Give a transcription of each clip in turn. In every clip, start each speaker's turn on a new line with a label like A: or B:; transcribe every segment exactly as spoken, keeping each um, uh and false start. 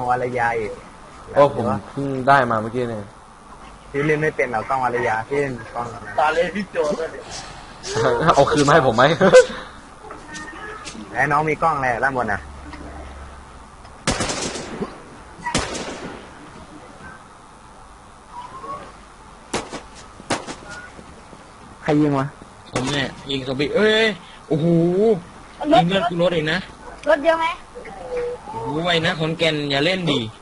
A: วรยาอีก
B: โอ้ผมเพิ่งได้มาเมื่อกี้เนี่ย
A: พี่เล่นไม่เป็นหรอกล้องวรยาพี่เล่นกล้อง
C: ตาเล่พี่โจด้วย
B: เอาคืนมาให้ผมไหม
A: ไอ้น้องมีกล้องอะไรด้านบนน่ะใครยิงวะ
C: ผมเนี่ยยิงซอมบี้เอ้ยโอ้โหยิงเลือดกูรถเองนะ
D: รถเยอะไหม
C: โอ้ไว้นะคนแก่นอย่าเล่นดี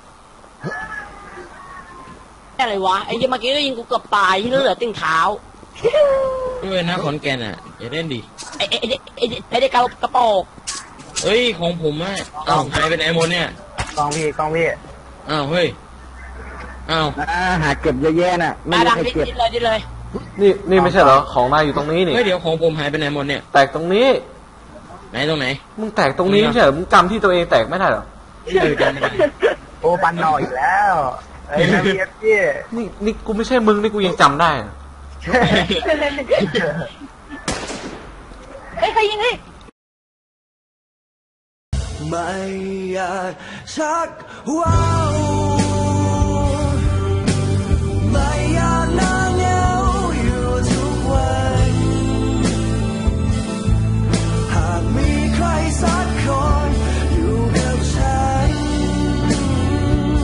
D: อะไรวะไอ้เมื่อกี้ก็ยิงกูเกือบตายที่เหลือติ่งเท้า
C: ด้วยนะขอนแก่นอ่ะอย่าเล่นดิ
D: ไอ้ไอ้ไอ้ไอ้เด็กกระกระโปง
C: เฮ้ยของผมอ่ะอ้าวหายเป็นไอโมนเนี่ย
A: กล้องพี่กล้องพี่
C: อ้าวเฮ้ยอ้าว
A: หาเก็บเยอะแยะน่ะ
D: ไม่ได้เก็บเลยดิเลย
B: นี่นี่ไม่ใช่เหรอของนายอยู่ตรงนี้นี่
C: เฮ้ยเดี๋ยวของผมหายเป็นไอโมนเนี่ย
B: แตกตรงนี้
C: ไหนตรงไหน
B: มึงแตกตรงนี้ไม่ใช่เหรอมึงจำที่ตัวเองแตกไม่ได้หรอ
C: เออจำไม่ได้
A: โอ้ปันหน่อยอีกแล้วไอ้นาเบียพี่
B: นี่นี่กูไม่ใช่มึงนี่กูยังจำได้
D: เฮ้ยใครยิงดิ
E: ไม่อยากชักว้าว